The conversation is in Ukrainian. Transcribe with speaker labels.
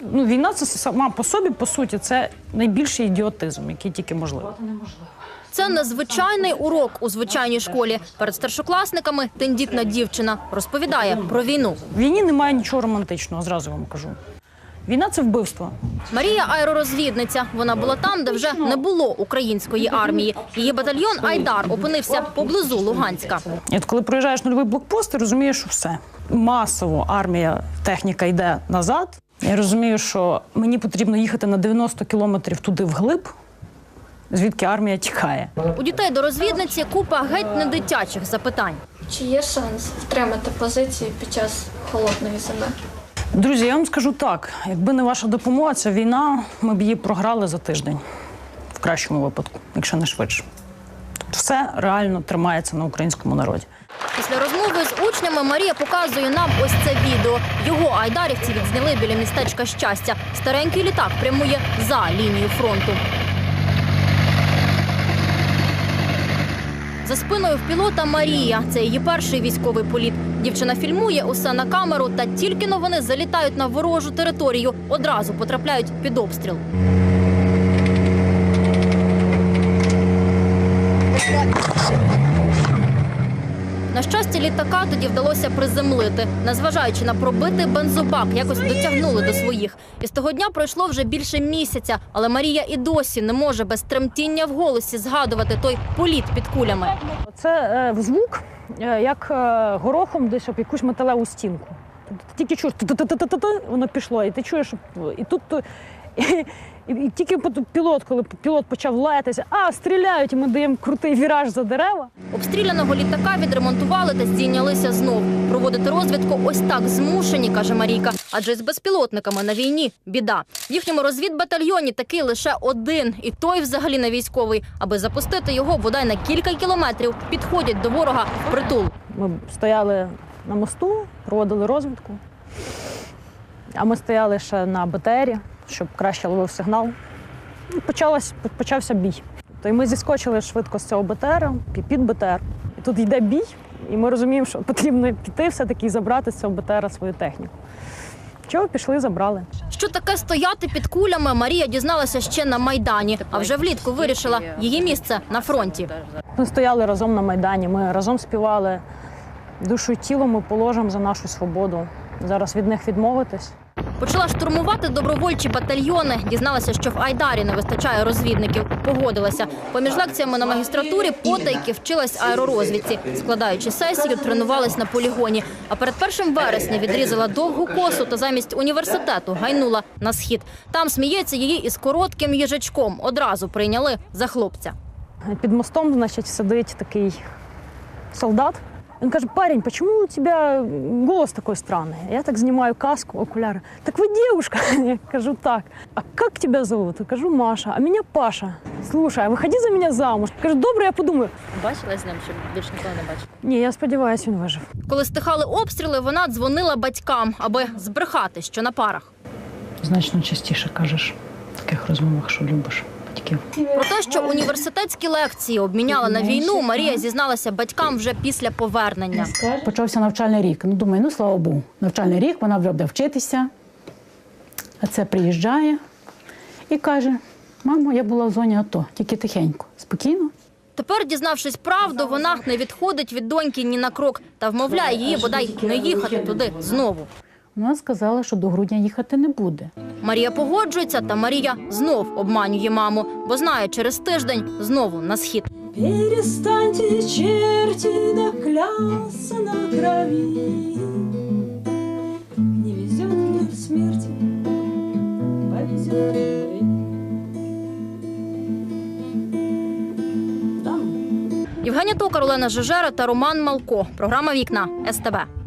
Speaker 1: війна – це сама по собі, по суті, це найбільший ідіотизм, який тільки можливий.
Speaker 2: Це незвичайний урок у звичайній школі. Перед старшокласниками тендітна дівчина розповідає про війну.
Speaker 1: В війні немає нічого романтичного, зразу вам кажу. Війна – це вбивство.
Speaker 2: Марія – аеророзвідниця. Вона була там, де вже не було української армії. Її батальйон «Айдар» опинився поблизу Луганська.
Speaker 1: І от коли проїжджаєш нульовий блокпост, ти розумієш, що все. Масово армія, техніка йде назад. Я розумію, що мені потрібно їхати на 90 кілометрів туди вглиб, звідки армія тікає.
Speaker 2: У дітей до розвідниці купа геть не дитячих запитань.
Speaker 3: Чи є шанс втримати позиції під час холодної зими?
Speaker 1: Друзі, я вам скажу так, якби не ваша допомога, ця війна, ми б її програли за тиждень. В кращому випадку, якщо не швидше. Тобто все реально тримається на українському народі.
Speaker 2: Після розмови з учнями Марія показує нам ось це відео. Його айдарівці відзняли біля містечка Щастя. Старенький літак прямує за лінією фронту. За спиною в пілота Марія. Це її перший військовий політ. Дівчина фільмує усе на камеру, та тільки но вони залітають на ворожу територію, одразу потрапляють під обстріл. На щастя, літака тоді вдалося приземлити. Незважаючи на пробитий бензобак, якось дотягнули до своїх. І з того дня пройшло вже більше місяця, але Марія і досі не може без тремтіння в голосі згадувати той політ під кулями.
Speaker 1: Це звук, як горохом десь об якусь металеву стінку. Ти тільки чуєш, воно пішло, і ти чуєш, і тут... І тільки коли пілот почав лаятися, стріляють, і ми даємо крутий віраж за дерева.
Speaker 2: Обстріляного літака відремонтували та здійнялися знов. Проводити розвідку ось так змушені, каже Марійка, адже з безпілотниками на війні біда. В їхньому розвідбатальйоні такий лише один, і той взагалі не військовий. Аби запустити його бодай на кілька кілометрів, підходять до ворога впритул.
Speaker 1: Ми стояли на мосту, проводили розвідку, а ми стояли ще на БТРі, щоб краще ловив сигнал. І почався бій. То і ми зіскочили швидко з цього БТР, під БТР. І тут йде бій, і ми розуміємо, що потрібно піти все-таки і забрати з цього БТР свою техніку. Чого пішли, забрали.
Speaker 2: Що таке стояти під кулями, Марія дізналася ще на Майдані. А вже влітку вирішила, її місце на фронті.
Speaker 1: Ми стояли разом на Майдані, ми разом співали «Душу і тіло ми положимо за нашу свободу». Зараз від них відмовитись.
Speaker 2: Почала штурмувати добровольчі батальйони. Дізналася, що в Айдарі не вистачає розвідників. Погодилася. Поміж лекціями на магістратурі потайки вчилась аеророзвідці. Складаючи сесію, тренувалась на полігоні. А перед 1 вересня відрізала довгу косу та замість університету гайнула на схід. Там сміється її із коротким їжачком. Одразу прийняли за хлопця.
Speaker 1: Під мостом, значить, сидить такий солдат. Він каже: парень, почему у тебя голос такой странный? Я так знімаю каску, окуляри. Так ви дівчинка? Я кажу: так. А як тебе зовут? Я кажу: Маша. А мене Паша. Слушай, а виходи за мене замуж. Кажу: добре, я подумаю.
Speaker 2: Бачила з ним, що більше ніколи не бачила?
Speaker 1: Ні, я сподіваюся, він вижив.
Speaker 2: Коли стихали обстріли, вона дзвонила батькам, аби збрехати, що на парах.
Speaker 1: Значно частіше кажеш в таких розмовах, що любиш батьків.
Speaker 2: Про те, що університетські лекції обміняла на війну, Марія зізналася батькам вже після повернення.
Speaker 4: Почався навчальний рік. Думаю, слава Богу, навчальний рік, вона вже буде вчитися. А це приїжджає і каже: мамо, я була в зоні АТО, тільки тихенько, спокійно.
Speaker 2: Тепер, дізнавшись правду, вона не відходить від доньки ні на крок та вмовляє її бодай не їхати туди знову.
Speaker 4: Вона сказала, що до грудня їхати не буде.
Speaker 2: Марія погоджується, та Марія знов обманює маму, бо знає, через тиждень знову на схід.
Speaker 5: Перестаньте, черти, наклясться на крови. Не везет мне в смерти, повезет любви.
Speaker 2: Євгенія Токар, Олена Жежера та Роман Малко. Програма «Вікна» СТБ.